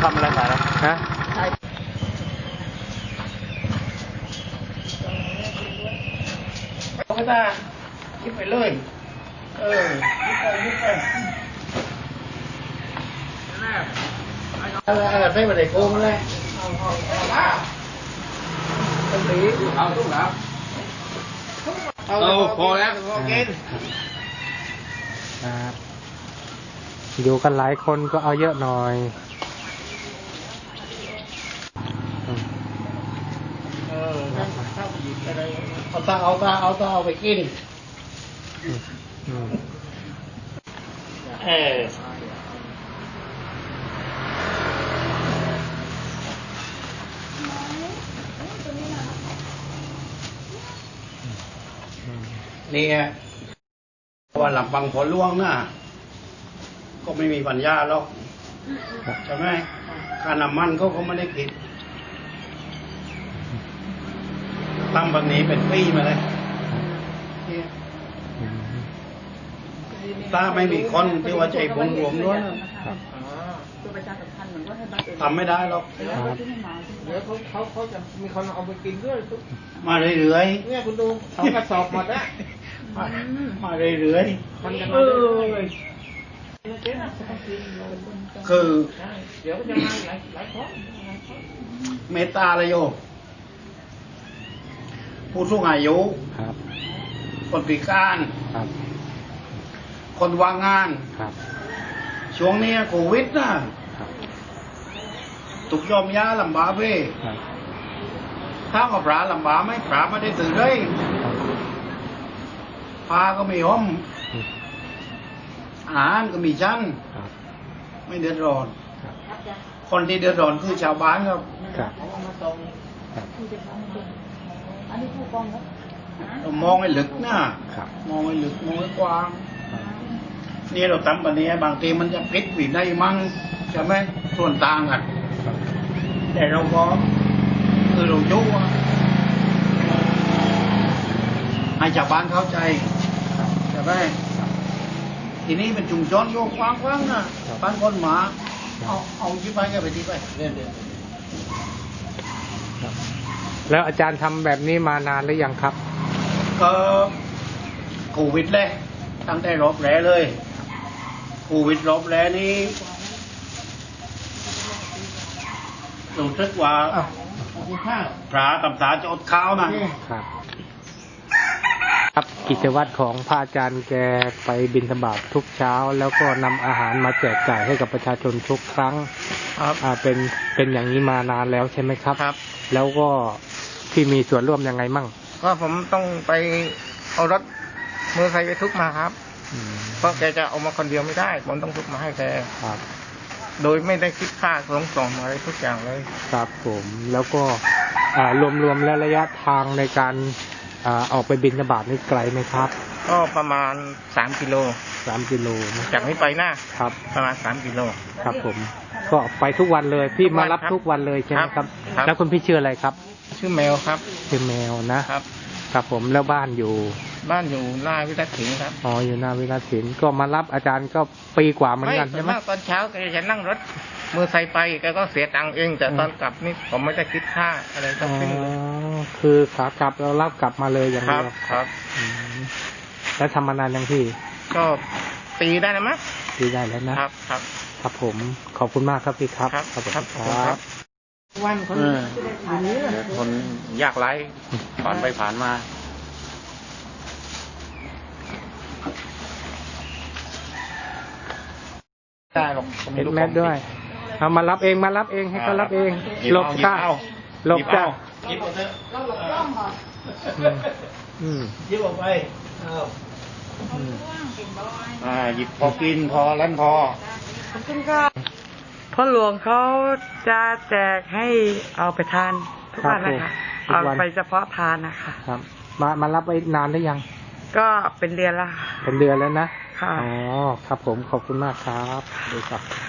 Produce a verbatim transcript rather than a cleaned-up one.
ำอะไรขายนะฮะก็ได้ยิบไปเลยเออยิบไปยิบไปอะไรอะไรไม่มาได้โกงเลยเอาเอาเอาต้องตีเอาตุ้งแล้วเอาพอแล้วพอกินอยู่กันหลายคนก็เอาเยอะหน่อยเออถ้าหยิบอะไรเอาตาเอาตาเอาตาเอาไปกินเออนี่ไงว่าหลับบังผลล่วงน่ะก็ไม่มีปัญญาหรอกใช่ไหมค่าน้ำมันเขาก็ไม่ได้ผิดตั้งแบบนี้เป็นปีมาเลยถ้าไม่มีคนที่ว่าใจบุญรวมด้วยทำไม่ได้หรอกเดี๋ยวเขาเขาเขาจะมีคนเอาไปกินด้วยมาเรื่อยๆเนี่ยคุณดูเขากระสอบหมดแล้วมาเรื่อยๆมันจะมาเรื่อยๆคือเดี๋ยวจะมาหลายหลายคนเมตตาเลยโยผู้สูงอายุคนพิการคนว่างงานช่วงนี้โควิดนะตุกยอมยาลำบากเว้ยถ้ากับปลาลำบากไม่ปลาไม่ได้ตื่นเลยปลาก็ไม่ยอมอาหารก็มีชั้นไม่เดือดร้อนคนที่เดือดร้อนคือชาวบ้านครับเรามองให้ลึกนะมองให้ลึกมองให้กว้างนี่เราทำแบบนี้บางทีมันจะพลิกหวีได้มั้งใช่ไหมส่วนต่างกันแต่เราก็คือเรายุ่งให้ชาวบ้านเข้าใจใช่ไหมทีนี้เป็นชุมชนโยกกว้างๆนะบ้านคนหมาเอาเอาที่ไปก็ไปที่ไปเรื่อยๆแล้วอาจารย์ทำแบบนี้มานานหรือยังครับก็โควิดเลยตั้งแต่รอบแรกเลยโควิดรอบแรกนี้รู้สึกว่าพระตำสาจะอดข้าวนะครับครับกิจวัตรของพระอาจารย์แกไปบิณฑบาตทุกเช้าแล้วก็นำอาหารมาแจกจ่ายให้กับประชาชนทุกครั้งครับอ่าเป็นเป็นอย่างนี้มานานแล้วใช่ไหมครับครับแล้วก็ที่มีส่วนร่วมยังไงมั่งก็ผมต้องไปเอารถมือใครไปทุกมาครับเพราะแกจะเอามาคนเดียวไม่ได้ผมต้องทุกมาให้แกครับโดยไม่ได้คิดค่าส่งส่งอะไรทุกอย่างเลยครับผมแล้วก็รวมๆแล้วระยะทางในการออกไปบิณฑบาตนี่ไกลไหมครับก็ประมาณสามกิโลสามกิโลจากนี้ไปนะครับประมาณสามกิโลครับผมก็ไปทุกวันเลยพี่มารับทุกวันเลยใช่ไหมครับแล้วคุณพี่ชื่ออะไรครับชื่อแมวครับชื่อแมวนะครับครับผมแล้วบ้านอยู่บ้านอยู่หน้าวิรัตถินครับอ๋ออยู่หน้าวิรัตถินก็มารับอาจารย์ก็ปีกว่าเหมือนกันใช่ไหมตอนเช้าแกจะนั่งรถมือใส่ไปแกก็เสียตังค์เองแต่ตอนกลับนี่ผมไม่ได้คิดค่าอะไรทั้งสิ้นเลยคือขากลับเรารับกลับมาเลยอย่างเดียวครับแล้วทำมานานยังพี่ก็ปีได้แล้วมั้ยปีได้แล้วนะครับครับครับผมขอบคุณมากครับพี่ครับขอบคุณครับวันคนคนยากไร้ผ่านไปผ่านมาได้หรอกเห็นแม่ด้วยเอามารับเองมารับเองให้เขารับเองหลบจ้าหลบจ้าหยิบออกเถอะเราหลบกล้องเหรออืมหยิบออกไปเอาอ่าหยิบพอกินพอเล่นพอขอบคุณค่ะพ่อหลวงเขาจะแจกให้เอาไปทานทุกวันนะคะเอาไปเฉพาะทานนะคะครับมามารับไว้นานหรือยังก็เป็นเดือนละเป็นเดือนแล้วนะอ๋อครับผมขอบคุณมากครับดีครับ